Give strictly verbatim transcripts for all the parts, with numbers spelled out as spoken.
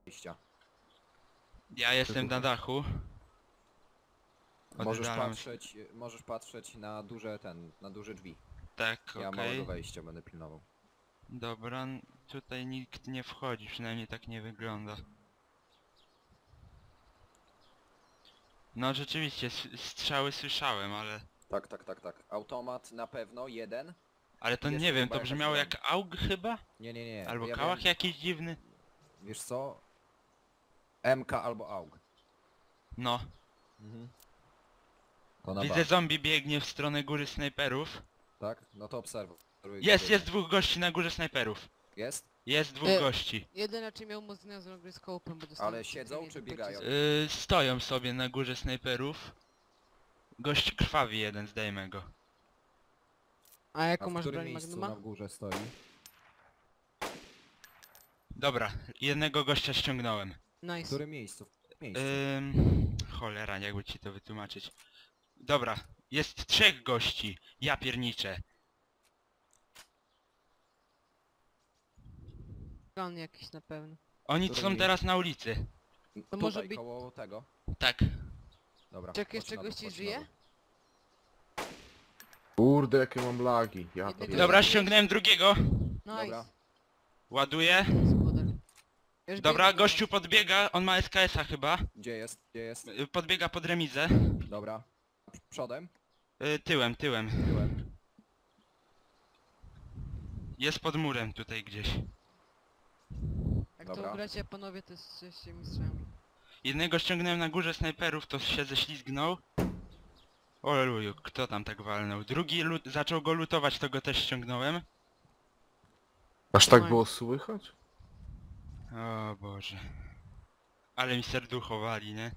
wejścia. Ja jestem na dachu. Możesz Oddalam się. patrzeć, możesz patrzeć na duże ten, na duże drzwi. Tak, Ja okej. małego wejścia będę pilnował. Dobra, n- tutaj nikt nie wchodzi, przynajmniej tak nie wygląda. No rzeczywiście, s- strzały słyszałem, ale... Tak, tak, tak, tak. Automat na pewno, jeden. Ale to Jest nie wiem, chyba to jakaś brzmiało broń. jak AUG chyba? Nie, nie, nie. Albo ja kałach wiem, jakiś dziwny? wiesz co? M K albo AUG. No. Mhm. To na Widzę, bank. zombie biegnie w stronę góry snajperów. Tak? No to obserwuj. Jest, jest dwóch gości na górze snajperów. Jest? Jest dwóch E, gości. Jeden raczej miał muzyna z rogryskopem, bo dostał... Ale siedzą czy biegają? Yy, stoją sobie na górze snajperów. Gość krwawi jeden, zdejmę go. A A jaką w masz którym broń miejscu Magnuma? na górze stoi? Dobra, jednego gościa ściągnąłem. W Nice. którym miejscu? W miejscu. Ym... Cholera, jakby ci to wytłumaczyć. Dobra, jest trzech gości. Ja pierniczę. Plan jakiś na pewno. Oni Który są mi- teraz na ulicy. to Tutaj, może być- koło tego. Tak. Dobra. Czy jak chodź jeszcze na dół, gości chodź na żyje? dół. Kurde, jakie mam lagi. Ja to Jednego- Dobra, ściągnąłem drugiego. Nice. Dobra. Ładuję. Gospodar. Ja już Dobra, biegnę. gościu podbiega, on ma S K S-a chyba. Gdzie jest? Gdzie jest? Y, Podbiega pod remizę. Dobra. Przodem? Y, Tyłem, tyłem. Tyłem. Jest pod murem tutaj gdzieś. Jak Dobra. to gracie panowie, to jesteście mistrzami. Jednego ściągnąłem na górze snajperów, to się ześlizgnął. Oluju, kto tam tak walnął? Drugi lut zaczął go lutować, to go też ściągnąłem. Aż tak było słychać? O Boże. Ale mi serducho wali, nie?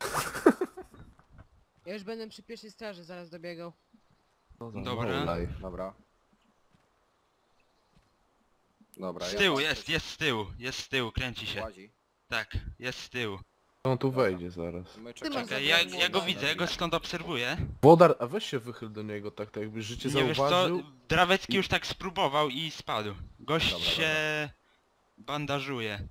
Ja już będę przy pierwszej straży zaraz dobiegał. No za Dobra. mało live. Dobra. Dobra, Z ja tyłu, patrzę, jest, jest z tyłu, jest z tyłu, kręci się. Łazi. Tak, jest z tyłu. On tu wejdzie zaraz. My Ty masz czekamy. Czekaj, ja, zabranie ja go na- widzę, ja go stąd obserwuję. Włodar, a weź się wychyl do niego tak, tak jakby życie Nie wiesz co, zauważył. Drawecki już tak spróbował i spadł. Gość Dobra, się bandażuje.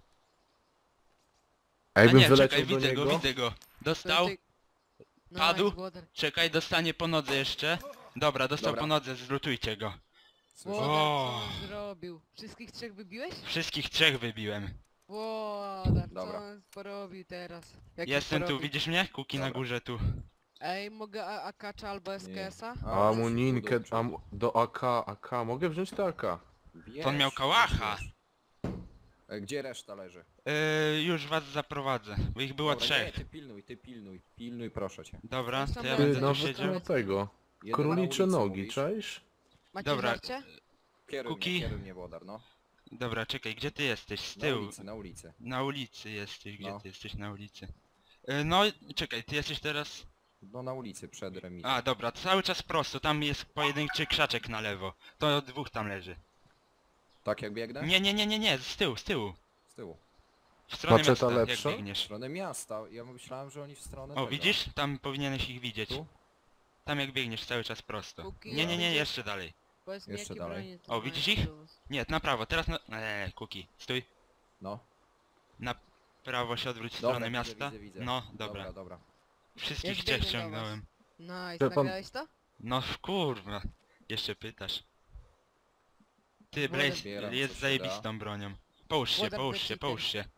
A A jakbym nie, wyleciał czekaj, do widzę niego. go, widzę go. Dostał, Ty- Nice, padł. Włodar. czekaj, dostanie po nodze jeszcze. Dobra, dostał Dobra. po nodze, zlutujcie go. Słyszę. Włodar, co O. on zrobił? Wszystkich trzech wybiłeś? Wszystkich trzech wybiłem. Włodar, co Dobra. on porobił teraz? Jak Jestem tu, porobił? widzisz mnie? Kuki na Dobra. górze tu. Ej, mogę A- akacza albo S K S-a? A, Amuninkę, do przodu. am, do A K, A K. Mogę wziąć to A K. Wiesz, To on miał kałacha. wiesz, wiesz. E, Gdzie reszta leży? Yy, już was zaprowadzę, bo ich było Dobra, trzech. Nie, ty pilnuj, ty pilnuj, pilnuj proszę cię. Dobra, Zresztą to ja Ty, będę Ty, tu nawet siedział. do tego. Jeden Królicze na ulicy, nogi, mówisz? czaisz? Macie Dobra. żarcie? Kieruj Kuki. mnie, kieruj mnie Włodar, no. Dobra, czekaj, gdzie ty jesteś? Z Na tyłu. ulicy, na ulicy. Na ulicy jesteś, gdzie No. ty jesteś na ulicy? Yy, no, czekaj, ty jesteś teraz... No na ulicy przed remisem. A, dobra, cały czas prosto, tam jest pojedynczy krzaczek na lewo. To dwóch tam leży. Tak jak biegnę? Nie, nie, nie, nie, nie, z tyłu, z tyłu. Z tyłu. W stronę Maczeta miasta, lepsza? jak W biegniesz. stronę miasta. Ja myślałem, że oni w stronę O, tego. widzisz? Tam powinieneś ich widzieć. Tu? Tam jak biegniesz cały czas prosto. Kuki, Nie, nie, nie, będzie- jeszcze dalej. Powiedz mi, Jeszcze jakie dalej. bronie ty O, masz widzisz ich? do was. Nie, na prawo, teraz na... Eee, Kuki, stój. No. Na prawo się odwróć w Dobra, stronę widzę, miasta. widzę, widzę. No, dobra. Dobra, dobra. Wszystkich Ja trzech biegnę do ściągnąłem. Nice, Ja pan- nagrałeś to? No kurwa, jeszcze pytasz. Ty, Wolę- Blaze, Zbieram, jest co się zajebistą bronią. Połóż się, Wolę połóż się, cheater. połóż się.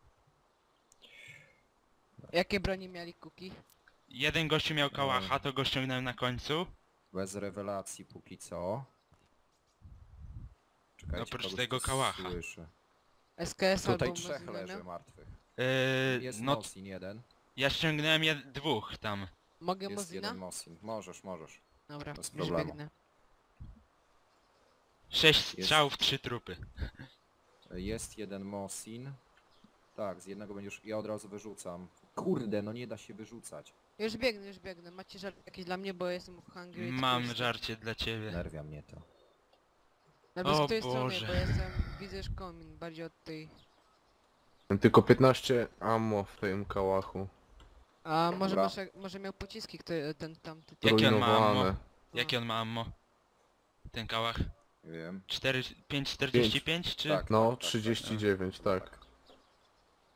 Jakie bronie mieli Kuki? Jeden gościu miał kałacha, to go ściągnąłem na końcu. Bez rewelacji póki co. Czekajcie, Oprócz kogoś tego tu kałacha. Słyszę. S K S Tutaj albo trzech Mozinę leży miał? martwych. Yy, Jest no, Mosin jeden. ja ściągnąłem jed dwóch tam. Mogę Jest Mozina? jeden Mosin. Możesz, możesz. Dobra, bez już problemu. biegnę. Sześć strzałów, trzy trupy. Jest jeden Mosin. Tak, z jednego będziesz... Ja od razu wyrzucam. Kurde, no nie da się wyrzucać. Już biegnę, już biegnę. Macie żart jakieś dla mnie, bo jestem hungry. Mam tylko- żarcie dla ciebie. Nerwia mnie to. Nawet O z tej strony, Boże. bo jestem, widzę już komin, bardziej od tej... Tylko piętnaście ammo w tym kałachu. A może, Dobra. masz, może miał pociski kto, ten tamty. Jakie on ma ammo? Zrujnowane. Jakie on ma ammo? Ten kałach? Nie wiem. cztery, pięć czterdzieści pięć czy? Tak. No, tak, tak, trzydzieści dziewięć, tak. tak.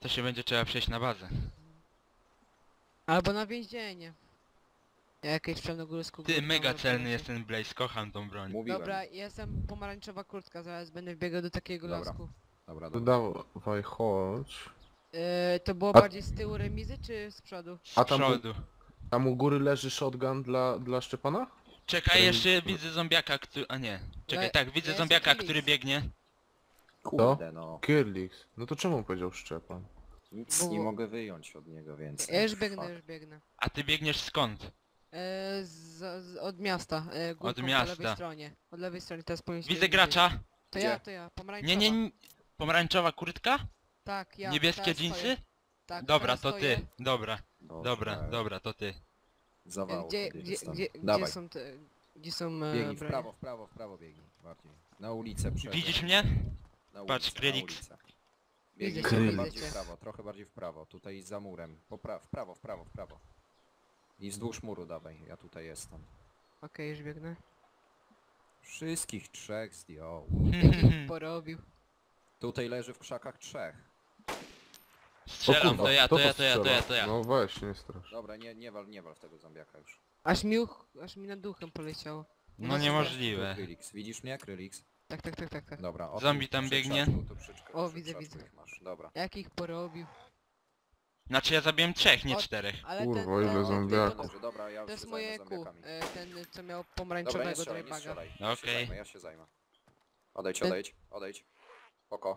To się będzie trzeba przejść na bazę. Albo na więzienie. Jakieś czarnogórską Ty, górką mega albo celny coś. jest ten Blaze, kocham tą broń. Mówiłem. Dobra, jestem pomarańczowa kurtka, zaraz będę biegał do takiego Dobra. lasku. Dobra, dobra. Dawaj, chodź. Yy, to było A- bardziej z tyłu remizy, czy z przodu? Z A tam- przodu. Tam u góry leży shotgun dla, dla Szczepana? Czekaj, Remi- jeszcze widzę zombiaka, który... A nie. Czekaj, Le- tak, widzę jest zombiaka, Felix. który biegnie. Kurde no. Kirlix. No to czemu powiedział Szczepan? Nic Bo- nie mogę wyjąć od niego więcej. Ja już biegnę, Fuck. już biegnę. A ty biegniesz skąd? Yy, z, z, od miasta, yy, górką, po miasta. lewej stronie. Od lewej strony, teraz powinniście Widzę widzieć. gracza. To Gdzie? ja, to ja, pomarańczowa. Nie, nie, nie. Pomarańczowa kurtka? Tak, ja. Niebieskie teraz dżinsy? stoję. Tak, Dobra, teraz to stoję. ty. Dobra, Boże, dobra, dobra, to ty. Zawał Gdzie, wtedy gdzie, dostanę. gdzie, gdzie Dawaj, są te... Gdzie są e, biegnij w bronie? prawo, w prawo, w prawo biegnij. Bardziej. Na ulicę przed. Widzisz mnie? Na ulicę, Patrz, na Krylix. ulicę. Biegnij Widzę cię, trochę widzę bardziej cię. w prawo, trochę bardziej w prawo. Tutaj za murem. Po pra w prawo, w prawo, w prawo. I wzdłuż muru dawaj, ja tutaj jestem. Okej, już biegnę. Wszystkich trzech zdjął. Jakich porobił. Tutaj leży w krzakach trzech. Strzelam, kurwa, to ja, kto to ja, to ja, to strzela? ja, to ja. No weź, nie strasz. Dobra, nie, nie wal, nie wal w tego zombiaka już. Aż mi, uch, aż mi nad duchem poleciało. No niemożliwe. Krylix, widzisz mnie, Krylix? Tak, tak, tak, tak, tak. Dobra, o Zombie tu tam przy biegnie. krzaczku, tu przy krzaczku, O, przy widzę, krzaczku widzę. ich masz. Dobra. Jakich porobił. Znaczy ja zabiłem trzech, nie O, czterech. Ale Kurwa, ten, ile ten, ten, zombiaków. ten, Dobrze, dobra, ja to już jest się moje zajmę Q. zombiakami. e, Ten, co miał Dobra, nie pomarańczowego strzelaj, nie drybaga. strzelaj. Ja się Okej. zajmę, ja się zajmę. Odejdź, Ten- odejdź, odejdź. Oko.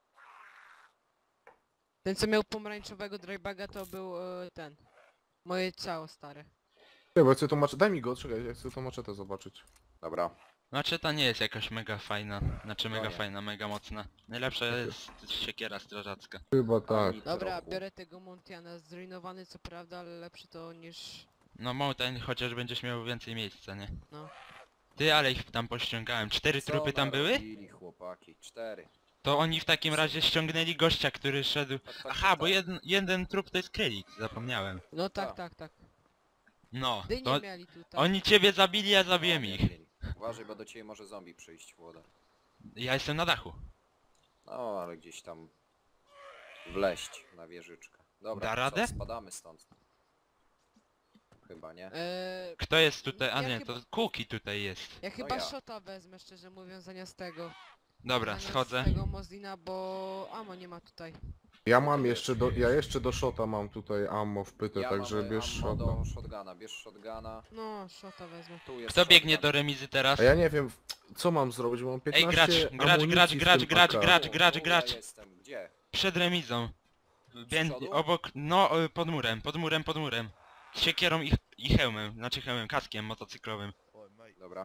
Ten, co miał pomarańczowego drybaga, to był e, ten. Moje ciało stare. Nie, bo ja chcę to maczetę, daj mi go, czekaj, ja chcę to maczetę zobaczyć. Dobra. Znaczy ta nie jest jakaś mega fajna. Znaczy mega nie. fajna, mega mocna. Najlepsza jest siekiera strażacka. Chyba tak. Ani Dobra, trochu. biorę tego Montiana. Zrujnowany co prawda, ale lepszy to niż... No Mountain chociaż będziesz miał więcej miejsca, nie? No. Ty, ale ich tam pościągałem. Cztery Co trupy tam były? narobili, chłopaki? Cztery. To oni w takim razie ściągnęli gościa, który szedł... Tak, tak, Aha, tak, bo tak. jeden, jeden trup to jest Krylik, zapomniałem. No tak, A. tak, tak. No, Dynie to mieli tutaj. oni ciebie zabili, ja No, zabiłem nie ich. mieli. Uważaj, bo do ciebie może zombie przyjść, Włoda. Ja jestem na dachu. No, ale gdzieś tam wleść na wieżyczkę. Dobra, Da co, radę? spadamy stąd. Chyba nie? Eee, Kto jest tutaj? A Ja nie, chyba- to Kuki tutaj jest. ja chyba ja. shota wezmę, szczerze mówiąc, zamiast tego. Dobra, zamiast schodzę. tego Mozina, bo amo nie ma tutaj. Ja mam jeszcze do, ja jeszcze do shota mam tutaj ammo wpyte, Ja także mam bierz ammo shota. do shotguna, bierz shotguna. No, shota wezmę. Tu jest Kto biegnie shotgun. do remizy teraz? A ja nie wiem, co mam zrobić, bo mam Ej, piętnaście gracz, gracz, amunicji gracz, w gracz, tym gracz, A K. gracz, Tu, gracz, tu gracz. Ja jestem, gdzie? Przed remizą. Bię... przodu? Obok, no y, pod murem, pod murem, pod murem. Z siekierą i, i hełmem, znaczy hełmem, kaskiem motocyklowym. Dobra.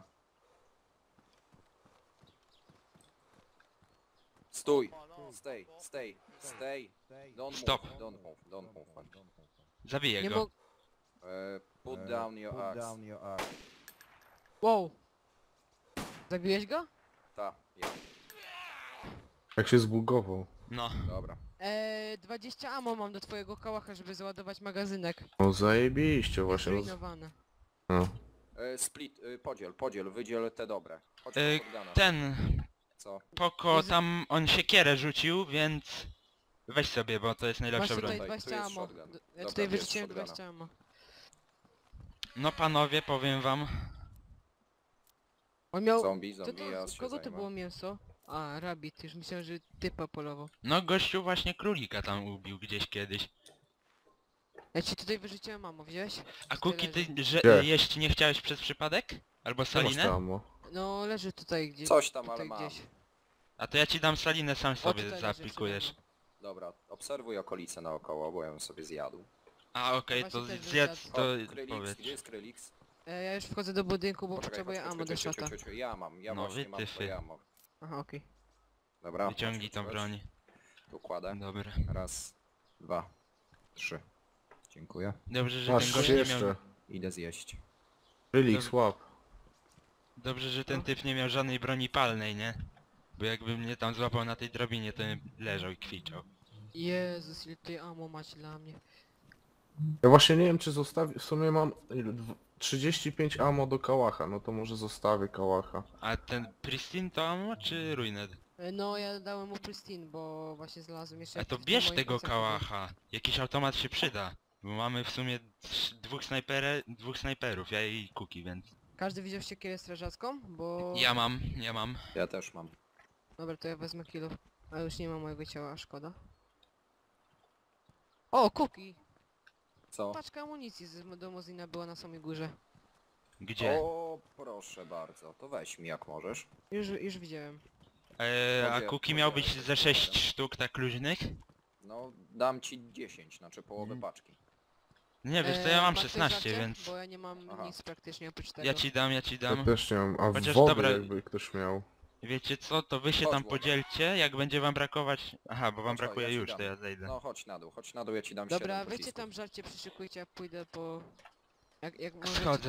Stój! Stay, stay, stay. Don't Stop. move, don't move, don't move. Zabiję Nie go. mógł... E, put down your axe. Wow. Zabiłeś go? Ta, ja. Jak się zbugował. No. Dobra. Eee, dwadzieścia ammo mam do twojego kałacha, żeby załadować magazynek. No zajebiście właśnie. roz- Zrujnowane. No. E, split, e, podziel, podziel, wydziel te dobre. Chodź E, do shotguna. Ten, Co? Poko tam, on siekierę rzucił, więc... Weź sobie, bo to jest Masz najlepsza tutaj broń. Tutaj, tu dwadzieścia jest ammo. shotgun. D- Ja Dobra, tutaj bierz wyrzuciłem shotguna. dwadzieścia ammo. No panowie, powiem wam. On miał... Zombie, To, zombie, to, ja się kogo to zajmę. było mięso? A, rabbit, już myślałem, że typa polował. No gościu właśnie królika tam ubił gdzieś kiedyś. Ja ci tutaj wyrzuciłem ammo, wziąłeś? A Tutaj Kuki, ty leży. że, Gdzie? jeść nie chciałeś przez przypadek? Albo Co masz salinę? tam ammo? No, leży tutaj gdzieś. Coś tam, tutaj ale mam. gdzieś. A to ja ci dam salinę, sam O, sobie tutaj leży zaaplikujesz. przede Dobra, obserwuj okolice naokoło, bo ja ją sobie zjadł. A okej, Właśnie to też bym zjedz, zjadł. to O, Krylix, powiedz. gdzie jest Krylix? E, ja już wchodzę do budynku, bo Poczekaj, potrzebuję chodź, ammo chodź, do chodź, shota. chodź, chodź, ja mam, ja No, właśnie mam wytyfy. twoje ammo. Aha, okej. Dobra, Wyciągnij chodź, tą chodź, broń. Tu kładę. Dobra. Raz, dwa, trzy. Dziękuję. Dobrze, że ten Masz gość nie jeszcze. miał... Idę zjeść. Relix, Dobra. łap. Dobrze, że ten typ nie miał żadnej broni palnej, nie? Bo jakby mnie tam złapał na tej drobinie, to bym leżał i kwiczał. Jezus, ile tutaj ammo macie dla mnie. Ja właśnie nie wiem, czy zostawię, w sumie mam ile, dw- trzydzieści pięć ammo do kałacha, no to może zostawię kałacha. A ten Pristine to ammo czy Ruined? E, E, No ja dałem mu pristine, bo właśnie znalazłem jeszcze... A to jakieś tam bierz moje tego koncerty. kałacha. Jakiś automat się przyda. Bo mamy w sumie trz- dwóch snajpere, dwóch snajperów, ja i Kuki, więc... Każdy widział siekierę strażacką? Bo... Ja mam, ja mam. Ja też mam. Dobra, to ja wezmę kilo. A już nie ma mojego ciała, a szkoda. O, Kuki! Co? Paczka amunicji z do Mozina była na samej górze. Gdzie? O, proszę bardzo. To weź mi jak możesz. Już, już widziałem. Eee, a Podzie- Kuki miał podzielę być się ze z sześć numerem. sztuk tak luźnych? No, dam ci dziesięć, znaczy połowę Mhm. paczki. Nie, wiesz to E, ja mam ma ktoś szesnaście, żarcie? więc... Bo ja nie mam Aha. nic praktycznie oprócz tego. Ja ci dam, ja ci Ja dam. też nie mam, a Chociaż wody dobra- jakby ktoś miał. Wiecie co, to wy się Chodź, tam Włoda. podzielcie, jak będzie wam brakować... Aha, bo wam Chodź, chodź, brakuje ja ci już, dam. to ja zejdę. No chodź na dół, chodź na dół, ja ci dam Dobra, siedem weźcie pocisków. tam żarcie, przyszykujcie, ja pójdę po... Jak, jak możecie, Schodzę.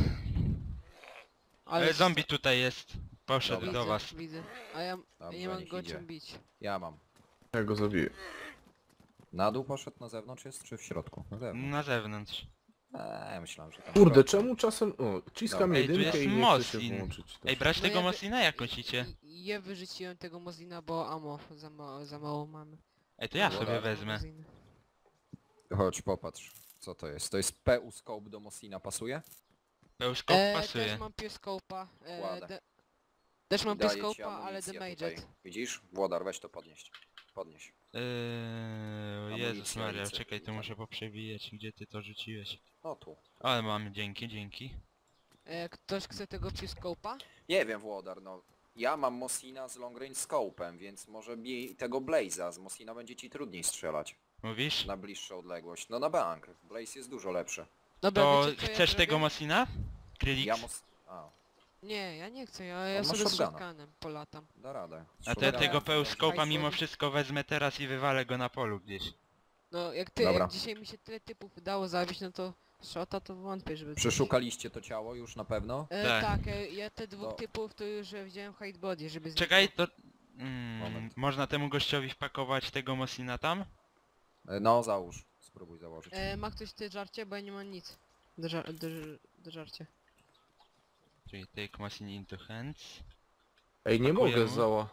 to- Ale zombie tutaj jest. Poszedł Dobra. do widzę, was. widzę. A ja, ja Dobrze, nie mam niech go idzie. czym bić. Ja mam. Ja go zabiję. Na dół poszedł, na zewnątrz jest, czy w środku? Na zewnątrz. Na zewnątrz. Eee, myślałem, że tam w Kurde, środku. czemu czasem... O, ciskam Dobra. Ej, tu jedynkę jest i nie chce się Mosin. włączyć. Ej, brać No tego ja wy- Mosina jak myślicie? I- Ja wyrzuciłem tego Mozina, bo ammo za, ma za mało mamy. Ej, to ja Dobra. sobie wezmę. Moziny. Chodź, popatrz. Co to jest? To jest P U scope do Mosina, pasuje? Pełszkop E, pasuje. też mam Pioscope'a. E, Kładę. de też mam Daję ci Pioscope'a, ale amunicję Damaged. tutaj. Widzisz? Włodar, weź to podnieść. Podnieś. Eee, Jezus Amunicja, Maria, amunicja, czekaj, tu tutaj. muszę poprzewijać, gdzie ty to rzuciłeś. No tu. Ale mam, dzięki, dzięki. E, ktoś chce tego Pioscope'a? Nie wiem, Włodar, no. Ja mam Mosina z long range scope'em, więc może mi tego Blaze'a z Mosina będzie ci trudniej strzelać. Mówisz? Na bliższą odległość. No na bank. Blaze jest dużo lepszy. Dobra, To wiecie, co ja chcesz zrobię? tego Mosina? Krylix? Ja mos... A, Nie, ja nie chcę, ja, ja On ma sobie z shotguna. shotgunem polatam. da radę. A to ja Shotgunem. tego pełszkopa Hajs mimo wodzi. wszystko wezmę teraz i wywalę go na polu gdzieś. No jak ty, Dobra. jak dzisiaj mi się tyle typów udało zabić, no to shota to wątpię, żeby... Przeszukaliście to ciało już na pewno? E, Tak. tak, e, ja te dwóch To- typów to już e, wziąłem hide body, żeby zniknął. Czekaj, to... Mm, Moment. można temu gościowi wpakować tego Mosina tam? E, No załóż. Spróbuj założyć. E, ma ktoś te żarcie, bo ja nie mam nic. Do, żar do, ż- do żarcia. Czyli take Mosin into hands. Ej, nie Pakujemy. mogę zała.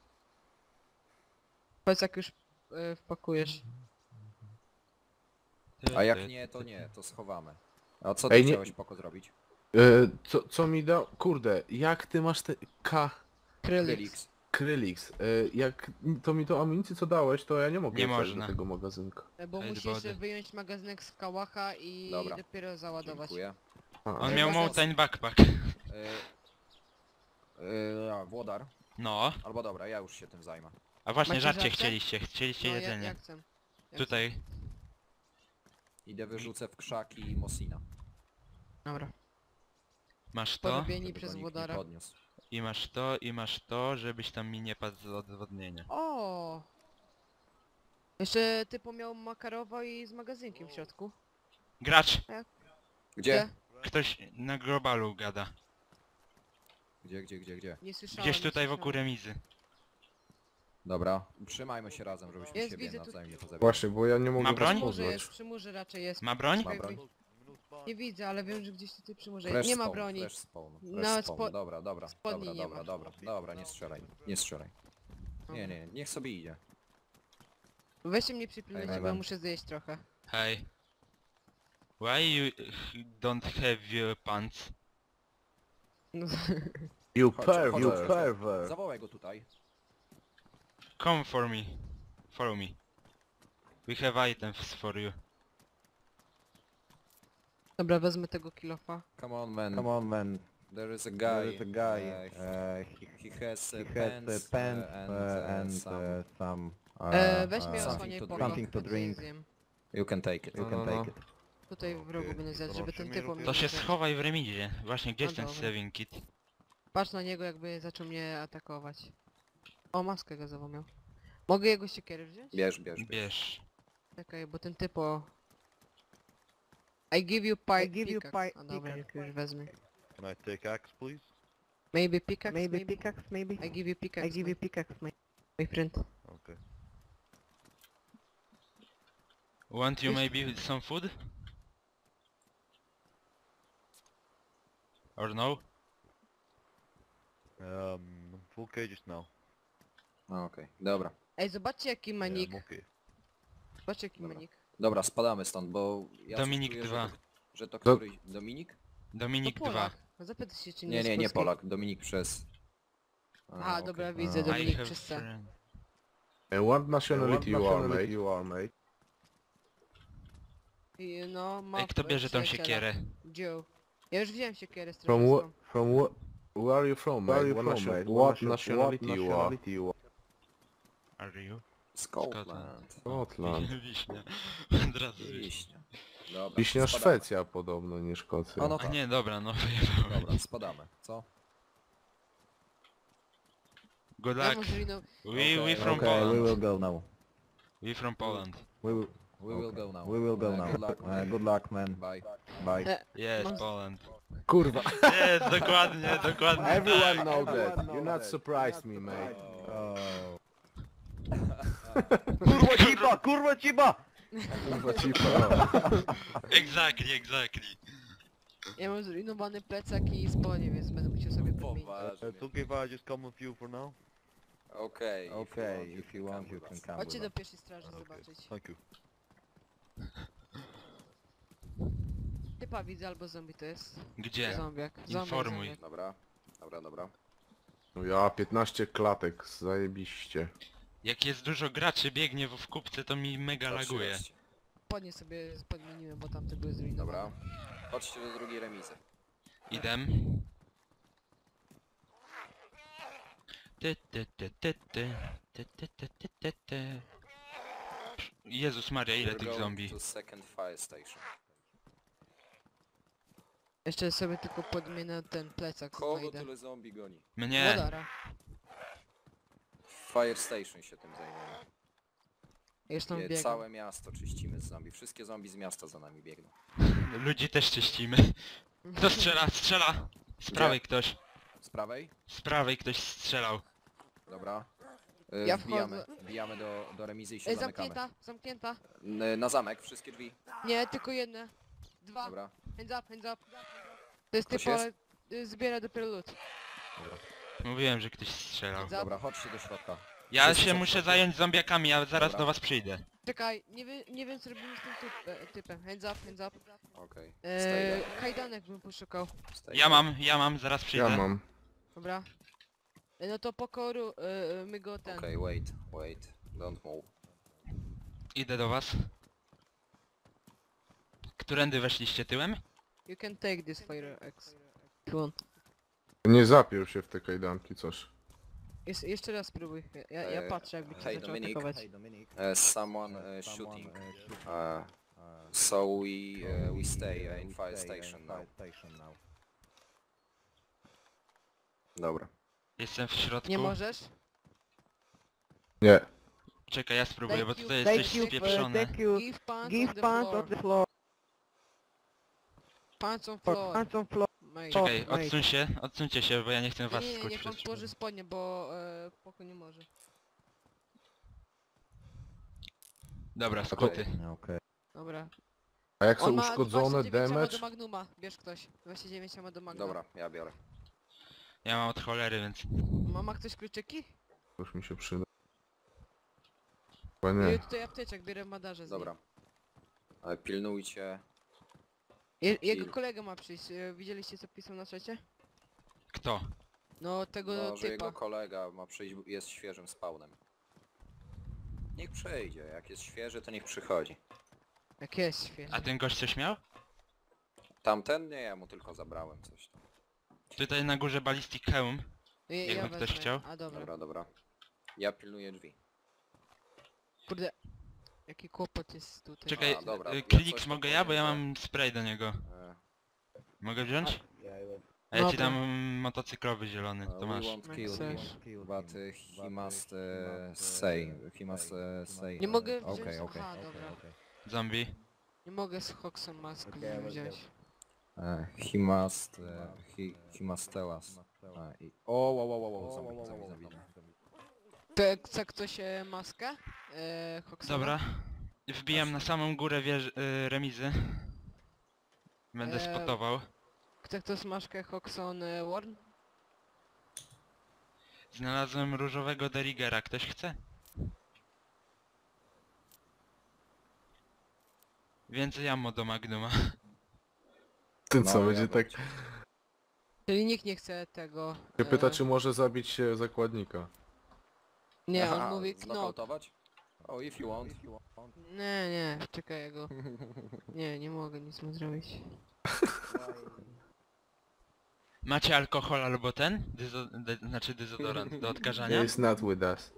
Powiedz jak już e, wpakujesz. A jak nie, to nie, to schowamy. A co ty Ej, nie- chciałeś poko zrobić? E, co, co mi da... Kurde, jak ty masz te... K... Krylix. Krylix. Krylix. E, jak to mi to amunicję co dałeś, to ja nie mogę Nie wsadzić można. do tego magazynka. E, bo Hide musisz body. e, wyjąć magazynek z kałacha i Dobra. dopiero załadować. Dziękuję. A, On Ej, miał można- mountain backpack. E, e, a, Włodar. No. Albo dobra, ja już się tym zajmę. A właśnie, Macie żarcie żarcie? chcieliście, chcieliście No, ja, jedzenie. ja chcę. Ja Tutaj. Idę wyrzucę w krzaki Mosina. chcę. Dobra. Masz to, Porobieni Żeby przez go nikt nie wodara. podniósł. i masz to, i masz to, żebyś tam mi nie padł z odwodnienia. O! Jeszcze typu miał makarowo i z magazynkiem w środku. Gracz! Gdzie? Ktoś na globalu gada. Gdzie, gdzie, gdzie, gdzie? Nie słyszałem. Gdzieś nie tutaj wokół słyszałem. remizy. Dobra, trzymajmy się razem, żebyśmy Jest, siebie widzę tu- nawzajem nie pozabili. Właśnie, bo ja nie mogę Ma was broń? Przy murze poznać. jest, przy murze raczej jest. Ma broń? Ma Czekaj, broń? Nie widzę, ale wiem, że gdzieś tutaj przy murze Fresh jest. Nie ma spawn, broni. Fresh spawn, fresh Nawet spawn. spo- Dobra, dobra, spodni dobra, nie dobra, ma. dobra, dobra, nie strzelaj, nie strzelaj. Nie, nie, niech sobie idzie. Weźcie mnie przypilnujcie, Ej, bo ja Ewan. muszę zjeść trochę. Hej. Why you don't have your pants? No, You Chodź, pervert, chodź, you chodź. pervert. Zawołaj go tutaj. Come for me. Follow me. We have items for you. Dobra, wezmę tego kilofa. Come on man. Come on, man. There is a guy. There is a guy. Uh, he, Uh, he, he has uh, he has pants, uh, pants uh, and, uh, uh, and some... uh, some. Uh, E, weź uh, mnie something osłaniaj to po drink. Something to drink. You can take it. You No, can no, take no. it. Tutaj w rogu będę zjadł, żeby ten typ mnie To się nie zaczął. schowaj w remizie. Właśnie, gdzie No jest ten dobra. saving kit? Patrz na niego, jakby zaczął mnie atakować. O, maskę gazową miał. Mogę jego siekierę wziąć? Bierz, bierz, bierz. Bierz. Czekaj, bo ten typo... I give you pie I give you pickaxe. pi- A dobra, pickaxe. już wezmę. Can I take axe, please? Maybe pickaxe, Maybe maybe? pickaxe, maybe? I give you pickaxe, I give my, you pickaxe, mate. my friend. Okay. Want you Wiesz- maybe some food? Or no? Um, full cages now. No okej, dobra. Ej, zobaczcie jaki ma Yeah, nick. I'm okay. Zobaczcie jaki ma Dobra. nick. Dobra, spadamy stąd, bo ja Dominik coś czuję, dwa. Że to, że to któryś... Dominik? Dominik To dwa. Polak. No zapytaj się czy nie Nie, jest nie, nie polski. Polak. Dominik przez... A, Aha, okej. dobra, widzę, A. I Dominik have przez C. friend. And what nationality you are, mate? you are, mate? I, no, ma Ej, kto bierze tą przyjaciela. siekierę? Joe. Ja już wziąłem siekierę z From what? terrorystą. From what? Where are you from, Where mate? are you What, from, nation- mate? what nationality you are? nationality you are? Are you? Scotland. Scotland. Wiśnia. Od razu wiśnia. Wiśnia. Dobra, Wiśnia spadamy. Szwecja podobno, nie Szkocja. A no A tak. nie, dobra, no wyjebałem. Dobra, spadamy. Co? Good Ja luck. może inną... We, Okay, we from Okay, we Poland. will go now. We from Poland. We will, We will go now. we will go Uh, now. Good luck, Uh, man. good luck, man. Bye. Bye. Yes, Mam- Poland. Kurwa. Jest, dokładnie, dokładnie. Everyone tak. know that. You not surprised me, mate. Oh. Kurwa cipa, kurwa cipa! Kurwa cipa. Exactly, exactly. Ja mam zrujnowany plecak i spodnie, więc będę musiał sobie podmienić. Poważnie. Uh, it's okay if I just come with you for now? Okej. Okay, if you want, you come can with come Chodźcie with do us. pierwszej straży Okay, zobaczyć. thank you. Typa widzę albo zombie to jest. Gdzie? Zombiak. Zombiak, Informuj. zombiak. Dobra. Dobra, dobra. No ja piętnaście klatek, zajebiście. Jak jest dużo graczy biegnie w w kupce, to mi mega laguje. Patrzcie. Spodnie sobie podmieniłem, bo tamte były zrujnowane. Dobra. Chodźcie do drugiej remizy. Idę. Ty, ty, ty, ty, ty. Ty, ty, ty, ty, ty, ty. Jezus Maria, ile We're tych going zombie. to second fire station. Jeszcze sobie tylko podmienię ten plecak, Kogo znajdę. tyle zombie goni? Mnie. Wodara. Fire station się tym zajmuje. Już tam Nie, biegam. całe miasto czyścimy z zombie. Wszystkie zombie z miasta za nami biegną. Ludzi też czyścimy. Kto strzela? Strzela! Z prawej ktoś. Z prawej? Z prawej ktoś strzelał. Dobra. Y, Ja wbijamy, wchodzę. wbijamy do, do remizy i się Ej, zamykamy. zamknięta, zamknięta. N- Na zamek, wszystkie drzwi. Nie, tylko jedne. Dwa. Dobra. Hands up, hands up. To jest Ktoś typo, jest? ale y, zbiera dopiero lód. Mówiłem, że ktoś strzelał. Hands up. Dobra, chodźcie do środka. Ja Wszyscy się są w muszę środku. zająć zombiakami, ja zaraz Dobra. do was przyjdę. Czekaj, nie, wie, nie wiem co robimy z tym typ, e, typem. Hands up, hands up. Okej. Eee, Stay kajdanek bym poszukał. there. Stay Ja there. mam, ja mam, zaraz przyjdę. Ja mam. Dobra. E, no to pokoru, e, e, my go ten. Okej, wait, wait. Don't move. Idę do was. Którędy weszliście tyłem? You can take this fire X. If you want. Nie zapiął się w te kajdanki, coś. Jest, jeszcze raz spróbuj. Ja, ja Eee, patrzę jakby cię hey, zaczął Dominik. atakować. Uh, someone uh, shooting. Uh, so we uh, we stay uh, in fire station now. Dobra. Jestem w środku. Nie możesz? Nie. Czekaj, ja spróbuję, Thank bo you, tutaj thank jest coś you, spieprzone. you. Give pants Give on the pants floor. on the floor. Pants on floor. Pants on floor. Mate. Czekaj, mate. odsuń się, odsuńcie się, bo ja nie chcę Nie, was nie, nie, skuć niech pan przez położy spodnie, bo e, poko nie może. Dobra, skuty. Okay. Dobra. A jak są On ma uszkodzone dwadzieścia dziewięć ammo do damage? Magnuma. Bierz ktoś. dwadzieścia dziewięć ammo do Magnuma. Dobra, ja biorę. Ja mam od cholery, więc... Ma, ma ktoś kluczyki? Już mi się przyda. Chyba Nie. nie. Tutaj apteczek, bierę w madarze z nim. Dobra. Ale pilnujcie. Je, jego Kill. kolega ma przyjść. E, Widzieliście co pisał na czacie? Kto? No tego No, że typa. jego kolega ma przyjść, jest świeżym spawnem. Niech przejdzie, jak jest świeży, to niech przychodzi. Jak jest świeży. A ten gość coś miał? Tamten nie, ja mu tylko zabrałem coś tam. Tutaj na górze ballistic hełm. Ja, jakby ktoś wezmę. chciał. A dobra. Dobra, dobra. Ja pilnuję drzwi. Kurde. Jaki kłopot jest tutaj. Czekaj, A, dobra, y, ja Klix coś mogę tam ja, bo ja powiem, mam spray do niego. E, Mogę wziąć? A ja ci Dobra. dam motocyklowy zielony, uh, to we masz. won't No, kill chcesz. him, but uh, he must uh, say, he must uh, say. Nie mogę wziąć... Okej, okej. Aha, dobra. Zombie. Nie mogę z Hoxem mask wziąć. Uh, he must, uh, he, he must tell us. Uh, i... O, wow, wow, wow, wow, zombie, zombie, zombie. To chce ktoś e, maskę? E, Hoxema? Dobra. Wbijam na samą górę wież, y, remizy. Będę Eee, spotował. Chce ktoś maskę Hoxon e, Warn? Znalazłem różowego derigera, ktoś chce? Więcej ammo do Magnuma. Ten co, No, będzie ja tak... Czyli nikt nie chce tego... Się pyta, e, czy może zabić e, zakładnika. Nie, on Aha, mówi knok. znokautować? Oh, if you want. If you want. Nie, nie, czekaj ja go. Nie, nie mogę nic mu zrobić. Macie alkohol albo ten? Dyzo de znaczy dezodorant do odkażania? He is not with us.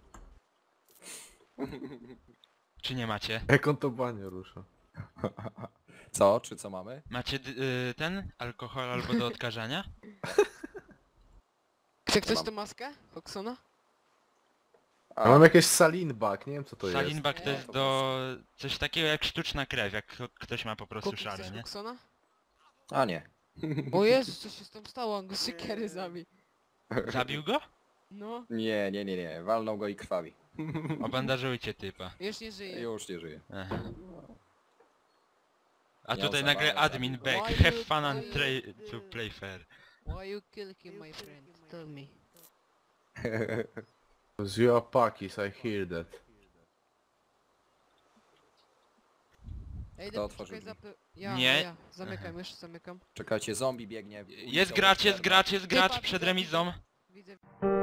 Czy nie macie? Jak on to banie rusza? Co? Czy co mamy? Macie dy- y ten? Alkohol albo do odkażania? Chce ktoś mam. tę maskę? Foxona? A mam jakieś salinbak, nie wiem co to jest. Salinbak to Nie, jest to do... coś takiego jak sztuczna krew, jak kto- ktoś ma po prostu Kupi szale, chcesz nie? Foxona? A nie. O Jezus, co się z tym stało? On go siekiery zabił. Zabił go? No, Nie, nie, nie, nie. Walnął go i krwawi. Obandażujcie typa. już nie żyje. Już nie żyje. Aha. A Miał tutaj zabawę, nagle admin zabił. back, Why have you- fun and why try you- to play fair. Why you kill him, my friend? Tell me. Because you are Pakis, I hear that. Ej, Kto no, otworzył czekaj, drzwi? zapy... Ja, Nie. ja. Zamykam, już zamykam. Czekajcie, zombie biegnie. Jest gracz, jest gracz, jest gracz Typa przed widzę, remizą. Widzę.